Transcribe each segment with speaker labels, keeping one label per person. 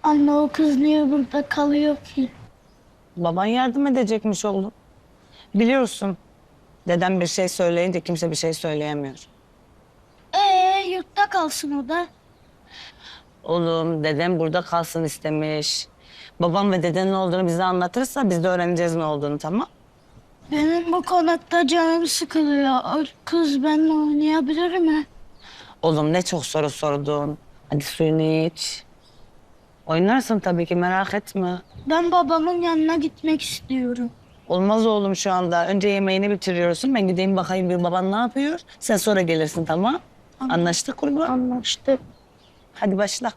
Speaker 1: Anne o kız niye burada kalıyor ki?
Speaker 2: Baban yardım edecekmiş oğlum. Biliyorsun, dedem bir şey söyleyince kimse bir şey söyleyemiyor.
Speaker 1: Yurtta kalsın o da.
Speaker 2: Oğlum, dedem burada kalsın istemiş. Babam ve dedenin olduğunu bize anlatırsa biz de öğreneceğiz ne olduğunu, tamam?
Speaker 1: Benim bu konakta canım sıkılıyor. O kız benimle oynayabilir mi?
Speaker 2: Oğlum ne çok soru sordun. Hadi suyunu iç. Oynarsın tabii ki, merak etme.
Speaker 1: Ben babamın yanına gitmek istiyorum.
Speaker 2: Olmaz oğlum şu anda. Önce yemeğini bitiriyorsun. Ben gideyim bakayım bir baban ne yapıyor. Sen sonra gelirsin, tamam? Anlaştık kurban.
Speaker 1: Anlaştık.
Speaker 2: Hadi başla.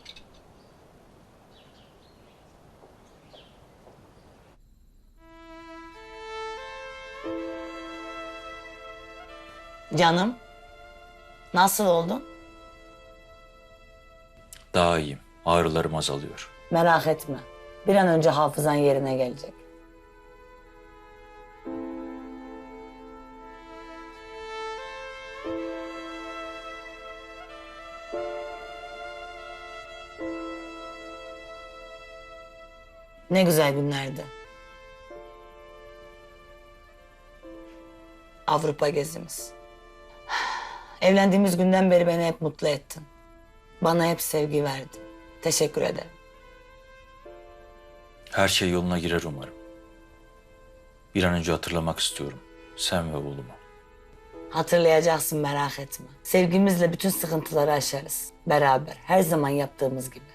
Speaker 2: Canım, nasıl oldun?
Speaker 3: Daha iyiyim. Ağrılarım azalıyor.
Speaker 2: Merak etme. Bir an önce hafızan yerine gelecek. Ne güzel günlerdi. Avrupa gezimiz. Evlendiğimiz günden beri beni hep mutlu ettin. Bana hep sevgi verdin. Teşekkür ederim.
Speaker 3: Her şey yoluna girer umarım. Bir an önce hatırlamak istiyorum. Sen ve oğlumu.
Speaker 2: Hatırlayacaksın, merak etme. Sevgimizle bütün sıkıntıları aşarız. Beraber, her zaman yaptığımız gibi.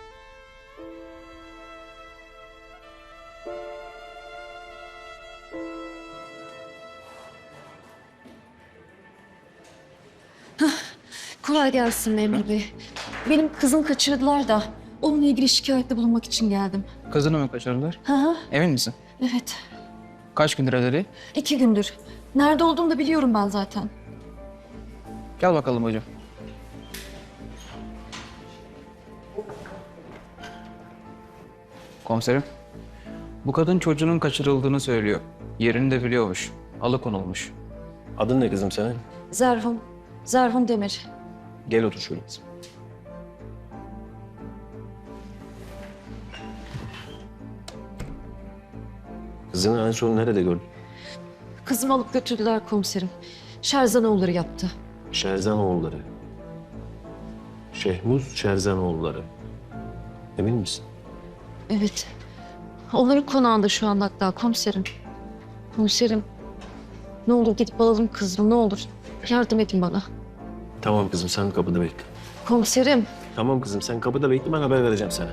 Speaker 4: Kolay gelsin memur bey. Benim kızım kaçırdılar da onunla ilgili şikayette bulunmak için geldim.
Speaker 5: Kızını mı kaçırdılar?
Speaker 4: Hı hı,
Speaker 5: Emin misin?
Speaker 4: evet.
Speaker 5: Kaç gündür evleri?
Speaker 4: 2 gündür. Nerede olduğunu da biliyorum ben zaten.
Speaker 5: Gel bakalım hocam. Komiserim. Bu kadın çocuğunun kaçırıldığını söylüyor. Yerini de biliyormuş. Alıkonulmuş.
Speaker 6: Adın ne kızım senin?
Speaker 4: Zerhun, Zerhun Demir.
Speaker 6: Gel otur şöyle kızım. Kızını en son nerede gördün?
Speaker 4: Kızımı alıp götürdüler komiserim. Şerzanoğulları yaptı.
Speaker 6: Şerzanoğulları. Şehmuz Şerzanoğulları. Emin misin?
Speaker 4: Evet. Onların konağında şu anda hatta komiserim. Komiserim. Ne olur gidip alalım kızımı ne olur. Yardım edin bana.
Speaker 6: Tamam kızım sen kapıda bekle.
Speaker 4: Komiserim.
Speaker 6: Tamam kızım sen kapıda bekle ben haber vereceğim sana.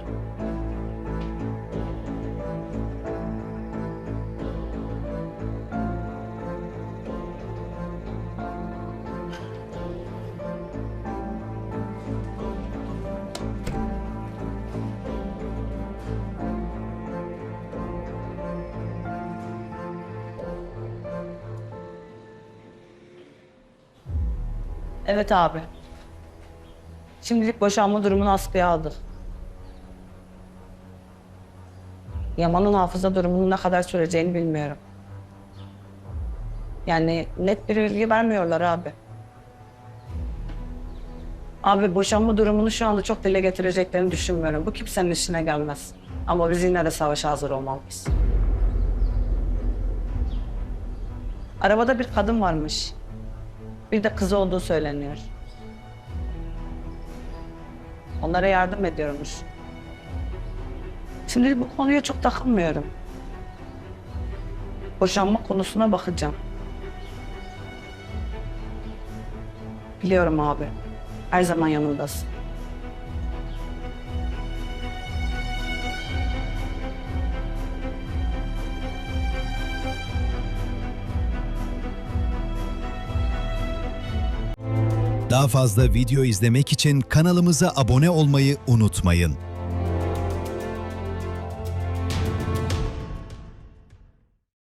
Speaker 2: Evet abi. Şimdilik boşanma durumunu askıya aldık. Yaman'ın hafıza durumunun ne kadar süreceğini bilmiyorum. Yani net bir bilgi vermiyorlar abi. Abi boşanma durumunu şu anda çok dile getireceklerini düşünmüyorum. Bu kimsenin işine gelmez. Ama biz yine de savaşa hazır olmalıyız. Arabada bir kadın varmış. Bir de kızı olduğu söyleniyor. Onlara yardım ediyormuş. Şimdi bu konuya çok takılmıyorum. Boşanma konusuna bakacağım. Biliyorum abi. Her zaman yanındasın.
Speaker 7: Daha fazla video izlemek için kanalımıza abone olmayı unutmayın.